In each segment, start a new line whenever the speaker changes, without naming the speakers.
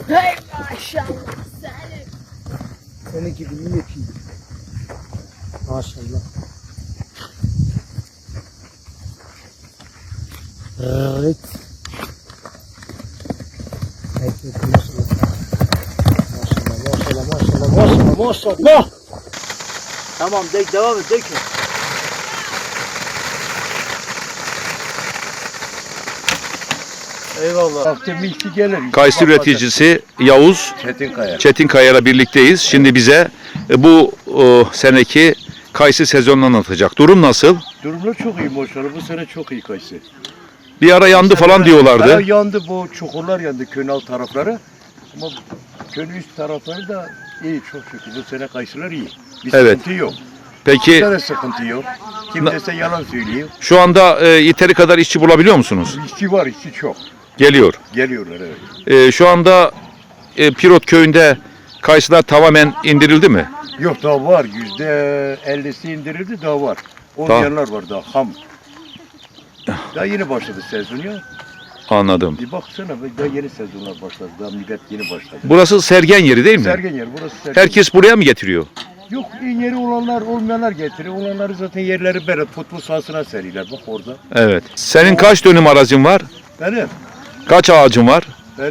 Hey maşallah Selim.
Senin gibi iyi yapayım. Maşallah. Evet. Maşallah. Tamam devam et. Eyvallah.
Akşam iki gelir.
Kayısı üreticisi Yavuz Çetinkaya'yla birlikteyiz. Şimdi bize bu seneki kayısı sezonunu anlatacak. Durum nasıl?
Durumlar çok iyi maşallah. Bu sene çok iyi kayısı.
Bir ara yandı falan diyorlardı.
Yandı, bu çukurlar yandı köyün alt tarafları. Ama köyün üst tarafları da iyi çok şükür. Bu sene kayısılar iyi. Bir
Evet.
sıkıntı yok.
Peki
Bir de sıkıntı yok. Kim dese yalan söylüyor.
şu anda yeteri kadar işçi bulabiliyor musunuz?
İşçi var, işçi çok.
Geliyor.
Geliyorlar evet.
Şu anda Pirot köyünde kayısılar tamamen indirildi mi?
Yok daha var. %50'si indirildi daha var. Olmayanlar var daha ham. Daha yeni başladı sezon ya.
Anladım.
Bir baksana daha yeni sezonlar başladı. Daha millet yeni başladı.
Burası sergen yeri değil mi?
Sergen yer burası sergen.
Herkes buraya mı getiriyor?
Yok iyi yeri olanlar olmayanlar getiriyor. Olanları zaten yerleri böyle futbol sahasına seriler. Bak orada.
Evet. Senin kaç dönüm arazin var?
Benim
Kaç ağacın var?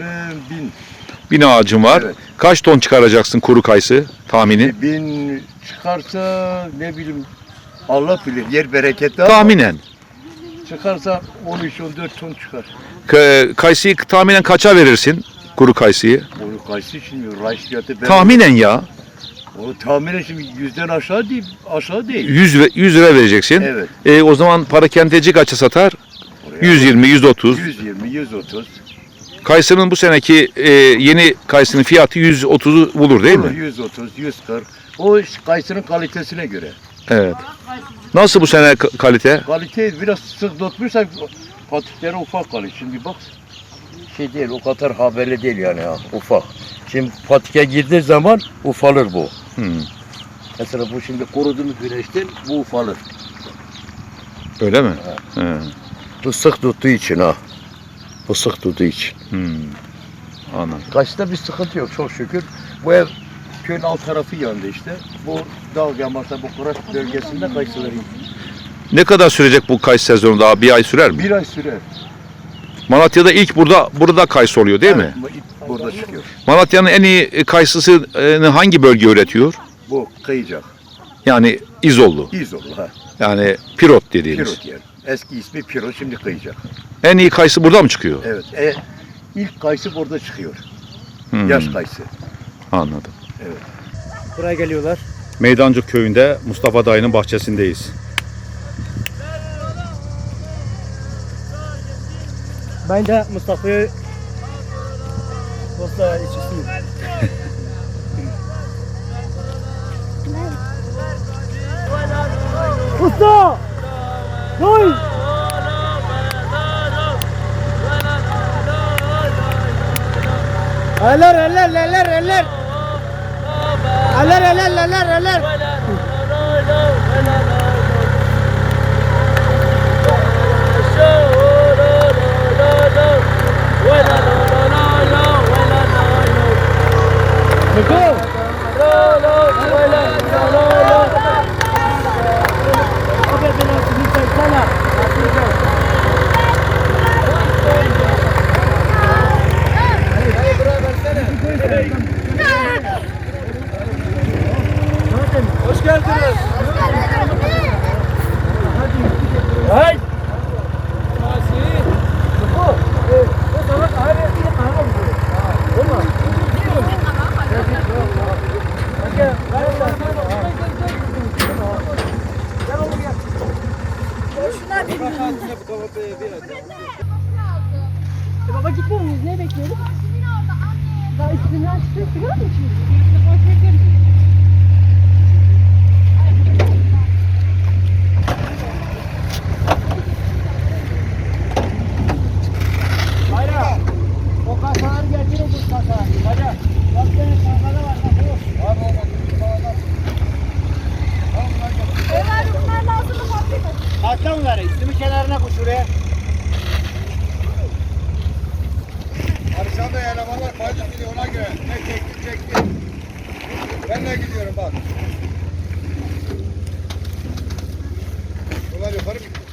1000.
1000 ağacın var.
Evet.
Kaç ton çıkaracaksın kuru kayısı tahmini?
1000 çıkarsa ne bileyim Allah bilir yer bereketli ama
Tahminen.
çıkarsa 13-14 ton çıkar.
Kayısıyı tahminen kaça verirsin? Kuru kayısıyı.
Onu kayısı şimdi raş fiyatı
Tahminen ya.
Onu tahminen şimdi 100'den aşağı değil.
100 lira vereceksin.
Evet.
O zaman parakendeci kaça satar?
Oraya
120, 130.
120, 130.
Kayısının bu seneki yeni kayısının fiyatı 130'u bulur değil mi?
130, 140. O kayısının kalitesine göre.
Evet. Nasıl bu sene kalite?
Kalite biraz sık tutmuşsa patikleri ufak kalıyor. Şimdi bak şey değil o kadar haberli değil yani ha ufak. Şimdi patike girdiği zaman ufalır bu. Mesela bu şimdi kurudu mu güneşten bu ufalır.
Öyle mi? He.
Bu sık tuttuğu için ha. Bu sık tuttuğu için.
Anladım.
Kaçta bir sıkıntı yok çok şükür. Bu ev köyün alt tarafı yandı işte. Bu dağ yamarsa bu kurak bölgesinde kayısıları
Ne kadar sürecek bu kayısı sezonu daha? Bir ay sürer mi?
bir ay sürer.
Malatya'da ilk burada kayısı oluyor değil mi?
Evet, burada çıkıyor.
Malatya'nın en iyi kayısısını hangi bölge üretiyor?
Bu kıyacak.
Yani İzollu.
İzollu ha.
Yani Pirot dediğimiz.
Pirot yer. Eski ismi Pirot şimdi kıyacak.
En iyi kayısı burada mı çıkıyor?
Evet. İlk kayısı burada çıkıyor.
Hmm,
Yaş kayısı.
Anladım.
Evet.
Buraya geliyorlar.
Meydancık köyünde Mustafa dayının bahçesindeyiz.
Ben de Mustafa'yı posta içisiyim. Usta! Koy! Eller! Hoş geldiniz. Hey!
Baba gitmiyor muyuz? Ne bekliyoruz? Daha üstünden çıkıyor. Sigara mı içiyorsun?
O kasaları getir o kasa. Hadi. Bak senin kasada var. Bak o.
Ömer bunlar lazım mı fabrika?
Hatta bunları üstümü kenarına koy şuraya. Arışan da yer elemanlar fayda gidiyor ona göre. Ne çekti. Ben de gidiyorum bak. Bunlar yukarı mı gidiyor?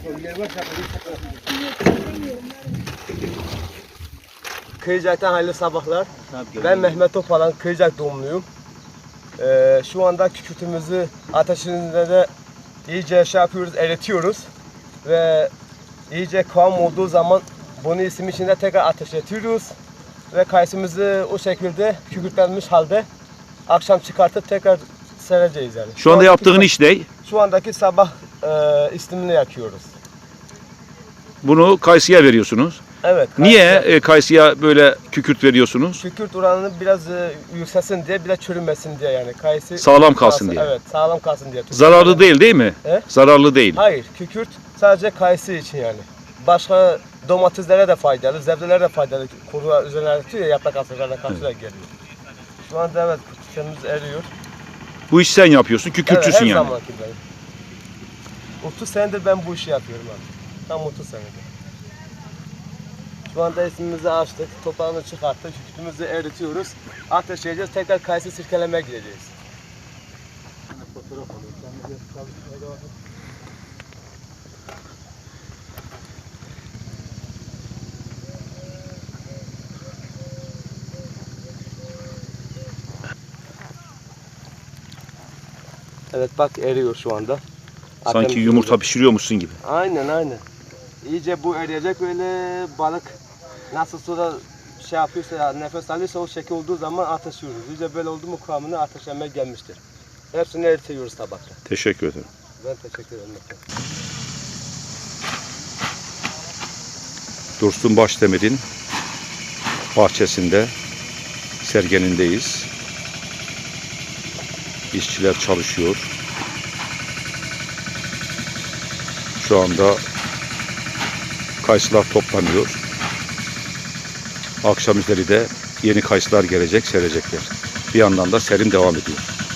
Kıyıcak'tan hayırlı sabahlar. Ben Mehmet Topalan, Kıyıcak doğumluyum. Şu anda kükürtümüzü ateşinde de iyice şey yapıyoruz, eritiyoruz. Ve iyice kıvam olduğu zaman bunu isim içinde tekrar ateşletiyoruz. Ve kayısımızı o şekilde kükürtlenmiş halde akşam çıkartıp tekrar sereceğiz yani.
Şu anda
andaki
yaptığın iş ne?
Şu andaki sabah istimini yakıyoruz.
Bunu kayısıya veriyorsunuz.
Evet.
Niye kayısıya böyle kükürt veriyorsunuz?
Kükürt oranını biraz yükselsin diye, bir de çürümesin diye yani. Kayısı
Sağlam kalsın diye.
Evet, sağlam kalsın diye.
Zararlı değil mi?
He?
Zararlı değil.
Hayır, kükürt sadece kayısı için yani. Başka domateslere de faydalı, sebzelere de faydalı. Kuru üzerine tutuyor ya, yaprak asırlarına karşı da geliyor. Şu anda evet, kükürtümüz eriyor.
Bu işi sen yapıyorsun, kükürtçüsün
evet, her
yani.
zamanki benim. 30 senedir ben bu işi yapıyorum abi. Tam 30 senedir. Şu anda ismimizi açtık, toprağını çıkarttık, kükürtümüzü eritiyoruz. Ateşleyeceğiz, tekrar kayısı sirkelemeye gideceğiz. Evet bak eriyor şu anda.
Sanki
Ateşimiz
yumurta
eriyor.
pişiriyormuşsun gibi.
Aynen. İyice bu eriyecek, öyle balık nasıl suda şey yapıyorsa ya, nefes alıyorsa o şekil olduğu zaman ateşliyoruz. İyice böyle oldu mu kıvamına ateşlemeye gelmiştir. Hepsini eritiyoruz tabakta.
Teşekkür ederim.
Ben teşekkür ederim.
Dursun Başdemir'in bahçesinde sergenindeyiz. İşçiler çalışıyor. Şu anda kayısılar toplanıyor. Akşam üzeri de yeni kayısılar gelecek, serecekler. Bir yandan da serim devam ediyor.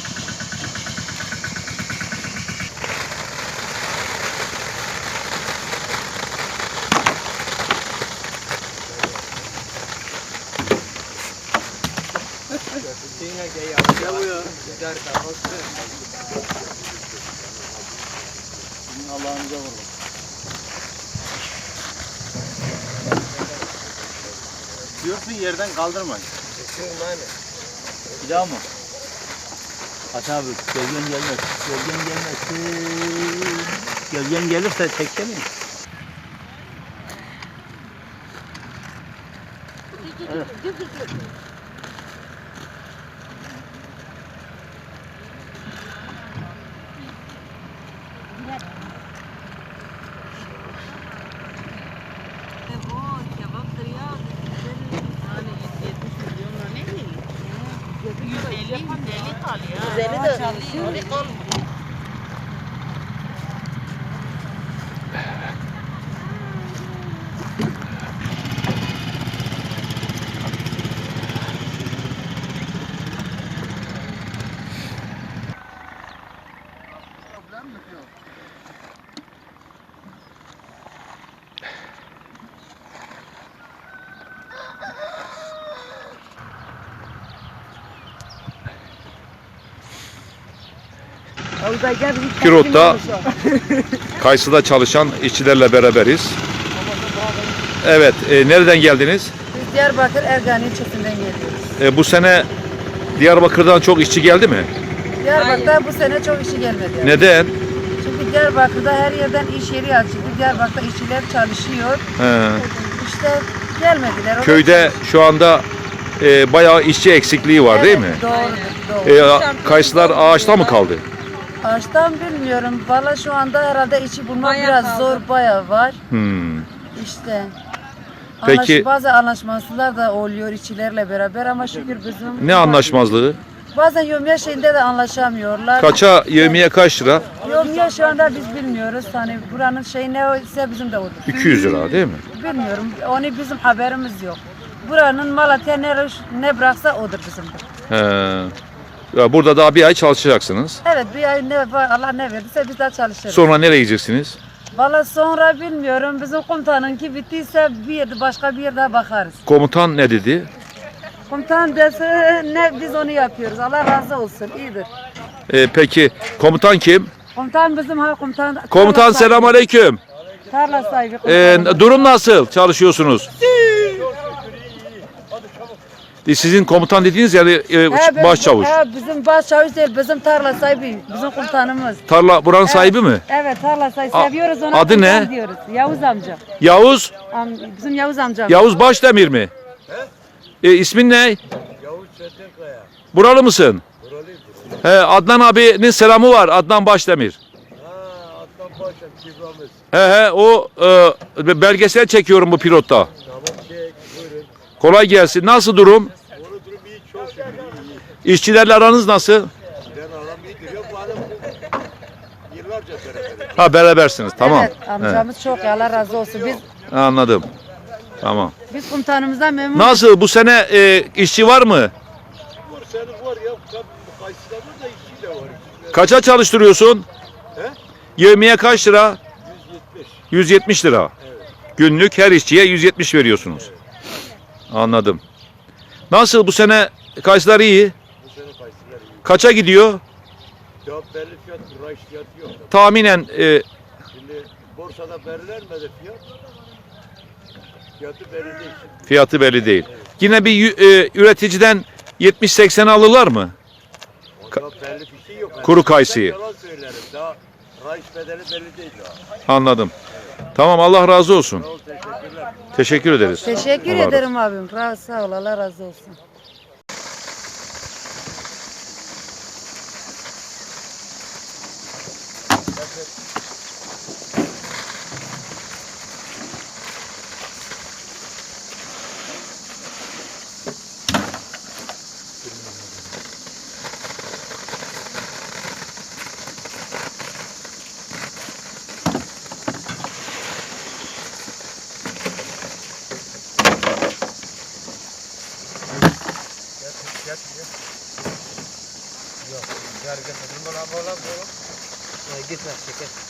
Allah'ınıza vurun. Diyorsun yerden kaldırmayın. Bir daha mı? Aç abi, gölgen gelmez. Gölgen gelmesin. Gölgen gelirse çeksene. Evet.
Güzeli de çalışıyor.
Kirot'ta kayısıda çalışan işçilerle beraberiz. Evet, nereden geldiniz?
Biz Diyarbakır Ergani ilçesinden geliyoruz.
Bu sene Diyarbakır'dan çok işçi geldi mi?
Diyarbakır'da bu sene çok işi gelmedi. Yani.
Neden?
Çünkü Diyarbakır'da her yerden iş yeri açıldı. Diyarbakır'da işçiler çalışıyor.
He.
İşte gelmediler. O da-
Köyde şu anda bayağı işçi eksikliği var değil mi?
Evet, doğrudur. Doğru.
Kayısılar ağaçta mı kaldı?
Ağaçtan bilmiyorum. Valla şu anda herhalde işi bulmak biraz zor, bayağı var.
Hmm.
İşte.
Peki-
Bazı anlaşmazlıklar da oluyor işçilerle beraber ama şükür bizim...
Ne anlaşmazlığı?
Bazen yevmiye şeyinde de anlaşamıyorlar.
Kaça, yevmiye kaç lira?
Yevmiye şu anda biz bilmiyoruz. Hani buranın şeyi ne ise bizim de odur.
200 lira değil mi?
Bilmiyorum. Onu bizim haberimiz yok. Buranın Malatya ne bıraksa odur bizim.
He. Ya burada daha bir ay çalışacaksınız.
Evet bir ay ne var Allah ne verdiyse biz de çalışırız.
Sonra nereye gideceksiniz?
Valla sonra bilmiyorum. Bizim komutanınki bittiyse başka bir yerde bakarız.
Komutan ne dedi?
Komutan dese ne biz onu yapıyoruz. Allah razı olsun. İyidir.
Peki komutan kim?
Komutan bizim komutan.
Komutan
tarla sahibi.
selamünaleyküm.
Tarla sahibi. komutanımız.
Durum nasıl? Çalışıyorsunuz? Sizin komutan dediğiniz yani başçavuş.
Bizim başçavuş değil, bizim tarla sahibi, bizim komutanımız.
Tarla buranın sahibi mi?
Evet, tarla sahibi.
A-
Seviyoruz ona.
adı
komutan
ne?
Diyoruz. Yavuz amca.
Yavuz.
Bizim Yavuz amcam.
Yavuz Başdemir mi? İsmin ne?
Yavuz Çetinkaya.
Buralı mısın? He, Adnan abinin selamı var. Adnan Başdemir.
Atlan Paşa kibramiz.
He o belgesel çekiyorum bu pilotta.
Tamam çek buyurun.
Kolay gelsin. Nasıl durum?
Onu durum iyi çok şükür iyi.
İşçilerle aranız nasıl?
Ben adam iyidir ya bu adam yıllarca beraber.
Ha berabersiniz. Tamam.
Evet, amcamız çok iyi, Allah razı olsun.
He, anladım. Tamam.
Biz komutanımızdan memnunuz.
Nasıl bu sene işçi var mı?
Var senin var ya Kayseri'de var da işçi de var.
Kaça çalıştırıyorsun?
He?
Yevmiye kaç lira?
170.
170 lira. Günlük her işçiye 170 veriyorsunuz. Anladım. Nasıl bu sene kayısılar iyi?
Bu sene Kayseri'ler iyi.
Kaça gidiyor?
Ya belli fiyat, rayış fiyatı yok.
Tahminen
Şimdi borsada belirlenmedi fiyat. Fiyatı belli değil.
fiyatı belli değil. Yine bir üreticiden 70-80 alırlar mı?
Onda belli bir şey yok. Yani
Kuru kayısıyı.
Ben yalan söylerim. Daha rayış bedeli belli değil daha.
Anladım. Tamam Allah razı olsun.
Sağ ol, teşekkürler.
Teşekkür ederiz.
Teşekkür
Allah razı
ederim abim. Sağ ol, Allah razı olsun.
Gitme çeker.